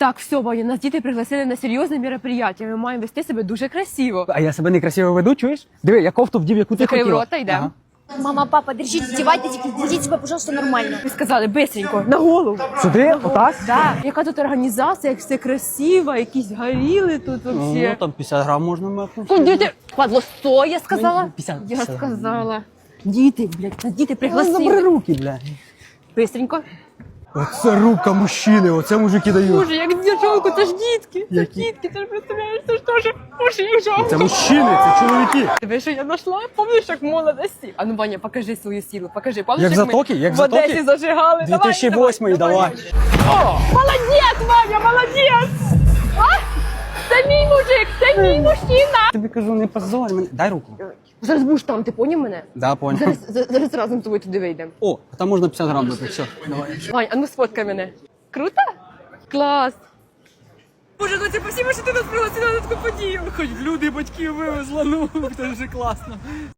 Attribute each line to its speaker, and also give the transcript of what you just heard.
Speaker 1: Так, все, Ваня, нас діти пригласили на серйозне мероприятие. Ми маємо вести себе дуже красиво.
Speaker 2: А я себе некрасиво веду, чуєш? Диви, я кофту вдів, яку ти
Speaker 1: Закрив
Speaker 2: хотіла.
Speaker 1: рота, йдемо.
Speaker 2: Ага.
Speaker 3: Мама, папа, держите, одевайтесь, ведите себя, пожалуйста, нормально.
Speaker 1: Ви сказали, бистренько, на голову.
Speaker 2: Сюди, отак?
Speaker 1: Да. Яка тут організація, як все красиво, якісь горіли тут вообще.
Speaker 2: Ну, там 50 грам можна мати.
Speaker 1: Діти, падло, 100, я сказала?
Speaker 2: 50,
Speaker 1: Я
Speaker 2: 50.
Speaker 1: сказала. Діти, блядь, нас діти
Speaker 2: Забери
Speaker 1: пригласили.
Speaker 2: руки, бля.
Speaker 1: Бистренько.
Speaker 2: Оце рука мужчини, оце мужики дають.
Speaker 1: Боже, як жалко, це ж дітки. Це ж
Speaker 2: Які?
Speaker 1: дітки, ти ж представляєш, це ж теж, боже, їх жалко.
Speaker 2: Це мужчини, це чоловіки.
Speaker 1: Диви, що я знайшла, пам'ятаєш, як в молодості? А ну, Ваня, покажи свою силу, покажи. Пам'ятаєш,
Speaker 2: Як
Speaker 1: ми
Speaker 2: Затоки, як
Speaker 1: в
Speaker 2: Затоки?
Speaker 1: Одесі зажигали?
Speaker 2: 2008 давай.
Speaker 1: О, молодець, Ваня, молодець! А? Це мій мужик, це мій мужчина!
Speaker 2: Тобі кажу, не позорь мене. Дай руку.
Speaker 1: Зараз будеш там, ти поняв мене?
Speaker 2: Да, понял.
Speaker 1: Зараз разом з тобою туди вийдемо.
Speaker 2: О, там можна 50 грам дати, все. Давай.
Speaker 1: Вань, а ну сфоткай мене. Круто? Клас! Боже, ну це спасибо, що ти нас пригласила на таку подію.
Speaker 2: Хоч люди батьків вивезла, ну, це вже класно.